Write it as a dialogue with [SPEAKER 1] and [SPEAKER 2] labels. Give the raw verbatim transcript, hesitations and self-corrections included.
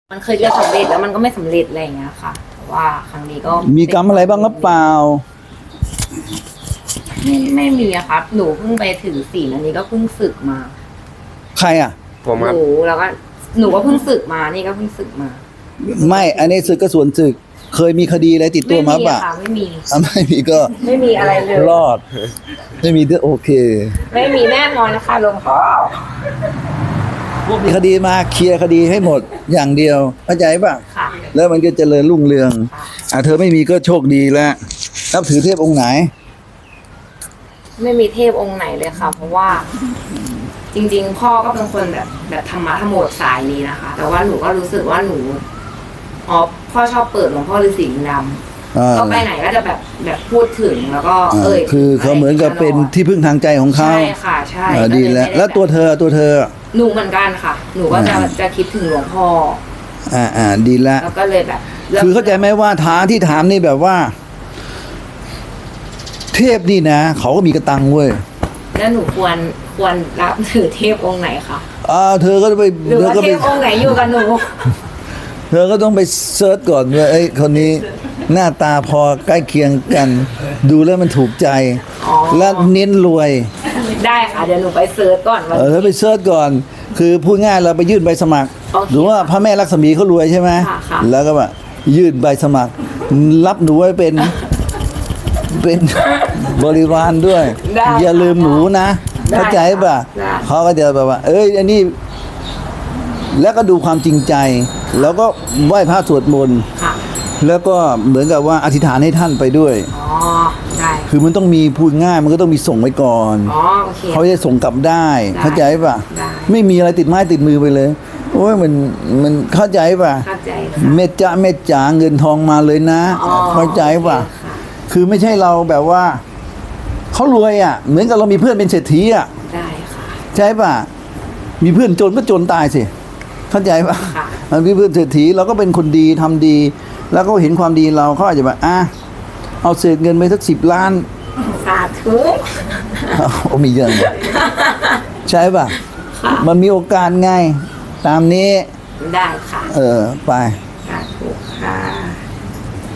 [SPEAKER 1] มันเคยจะสำเร็จแล้วมันก็ไม่สำเร็จอะไรอย่างเงี้ยค่ะแต่ว่าครั้งนี้ก็
[SPEAKER 2] มีกรรมอะไรบ้างหรือเปล่า
[SPEAKER 1] ไม่ไม่มีอะครับหนูเพิ่งไปถือศีลอันนี้ก็เพิ่งศึกมา
[SPEAKER 2] ใครอ่ะ
[SPEAKER 3] ผมครับ
[SPEAKER 1] หนูแล้วก็หนูก็เพิ่งศึกมานี่ก็เพิ่งศึกมา
[SPEAKER 2] ไม่อันนี้ศึกก็ส่วนศึก เคยมีคดีอะไรติดตัวมา
[SPEAKER 1] ไม่มี
[SPEAKER 2] ป่ะ
[SPEAKER 1] อะค่ะไม่มี
[SPEAKER 2] อ่ะไม่มีก็
[SPEAKER 1] ไม่มีอะไรเลย
[SPEAKER 2] รอด ไม่มีก็โอเค
[SPEAKER 1] ไม่มีแน่นอนนะคะหลวงพ่อ
[SPEAKER 2] พวกมีคดีมาเคลียร์คดีให้หมดอย่างเดียวเข้าใจป่ะ
[SPEAKER 1] ค่ะ
[SPEAKER 2] แล้วมันก็เจริญรุ่งเรืองอ่ะเธอไม่มีก็โชคดีแล้วนับถือเทพองค์ไหน
[SPEAKER 1] ไม่มีเทพองค์ไหนเลยค่ะ เพราะว่า จริง ๆ พ่อก็เป็นคนแบบแบบธรรมะธรรมโมสายนี้นะคะ แต่ว่าหนูก็รู้สึกว่าหนูอ๋อพ่อชอบเปิดหลวงพ่อฤาษีลิงด
[SPEAKER 2] อ่า
[SPEAKER 1] ำก็ไปไหนก็จะแบบแบบพูดถึงแล้วก็
[SPEAKER 2] อ่า
[SPEAKER 1] เอ่ย
[SPEAKER 2] คือเขาเหมือนกับเป็นที่พึ่งทางใจของเขา
[SPEAKER 1] ใช่ค่ะใช่
[SPEAKER 2] อ่าดีแล้ว
[SPEAKER 1] ก็เยไม่ไ
[SPEAKER 2] แล้วตัวเธอตัวเธอ
[SPEAKER 1] หนูเหมือนกันค่ะ หนูก็จะ
[SPEAKER 2] อ่า
[SPEAKER 1] จะคิดถึงหลวงพ่อ
[SPEAKER 2] อ่าอ่าดีแล้ว
[SPEAKER 1] แล้วก็เลยแบบ
[SPEAKER 2] คือเข้าใจไหมว่าท้าที่ถามนี่แบบว่า เทพนี่นะ เขาก็มีกระตังเว้ย
[SPEAKER 1] แล้วหนูควรควรรับถือเทพองค์ไหนคะ
[SPEAKER 2] อ่าเธอก็ไป
[SPEAKER 1] หรือ
[SPEAKER 2] เธอ
[SPEAKER 1] ว่า
[SPEAKER 2] ก็
[SPEAKER 1] เท
[SPEAKER 2] ไป
[SPEAKER 1] พองค์ไหนอยู่กับหนู
[SPEAKER 2] เธอก็ต้องไปเซิร์ชก่อนว่าไอ้ยคนนี้หน้าตาพอใกล้เคียงกัน ดูแล้วมันถูกใจ
[SPEAKER 1] อ๋อ
[SPEAKER 2] และเน้นรวย
[SPEAKER 1] ได้ค่ะเดี๋ยวหนูไปเซิร์ชก่อนว่า
[SPEAKER 2] เออเธอไปเซิร์ชก่อน คือพูดง่ายเราไปยื่นใบสมัคร
[SPEAKER 1] โอเค
[SPEAKER 2] หรือว่าพระแม่ลักษมีเขารวยใช่ไหม
[SPEAKER 1] ค่ะค่ะ
[SPEAKER 2] แล้วก็แบบยื่นใบสมัคร รับหนูไว้เป็น เป็นบริวารด้วย
[SPEAKER 1] ได้
[SPEAKER 2] อย่าลืมหนูนะ
[SPEAKER 1] ได้
[SPEAKER 2] เข้าใจป่ะ
[SPEAKER 1] ได้
[SPEAKER 2] เขาก็จะแบบว่า เอ้ยอันนี้ แล้วก็ดูความจริงใจ แล้วก็ไหว้พระสวดมนต์
[SPEAKER 1] ค่ะ
[SPEAKER 2] แล้วก็เหมือนกับว่าอธิษฐานให้ท่านไปด้วย
[SPEAKER 1] อ๋อได้
[SPEAKER 2] คือมันต้องมีพูดง่าย มันก็ต้องมีส่งไว้ก่อน
[SPEAKER 1] อ๋อโอเค
[SPEAKER 2] เขาจะส่งกลับได้
[SPEAKER 1] ได้
[SPEAKER 2] เข้าใจป่ะ
[SPEAKER 1] ได้
[SPEAKER 2] ไม่มีอะไรติดไม้ติดมือไปเลย โอ้ยมันมันเข้าใจป่ะ
[SPEAKER 1] เข้าใจค่ะ
[SPEAKER 2] เม็ดจ้าเม็ดจ๋าเงินทองมาเลยนะ
[SPEAKER 1] อ๋อ
[SPEAKER 2] เข้าใจป่ะ
[SPEAKER 1] โอเคค่ะ
[SPEAKER 2] คือไม่ใช่เราแบบว่าเขารวยอ่ะ เหมือนกับเรามีเพื่อนเป็นเศรษฐีอ่ะ
[SPEAKER 1] ได้ค่ะ
[SPEAKER 2] ใช่ป่ะ มีเพื่อนจนก็จนตายสิ เข้าใจป่ะ
[SPEAKER 1] ค่ะ
[SPEAKER 2] มันมีเพื่อนเศรษฐีเราก็เป็นคนดีทำดี แล้วก็เห็นความดีเราเขาอาจจะแบบอ่ะเอาเศษเงินไปสักสิบล้าน
[SPEAKER 1] สาธุ
[SPEAKER 2] เอามีเยอะเลยใช่ป่ะ
[SPEAKER 1] ค่ะ
[SPEAKER 2] มันมีโอกาสไง ตามนี้
[SPEAKER 1] ได้ค่ะ
[SPEAKER 2] เออ ไป
[SPEAKER 1] ค่ะ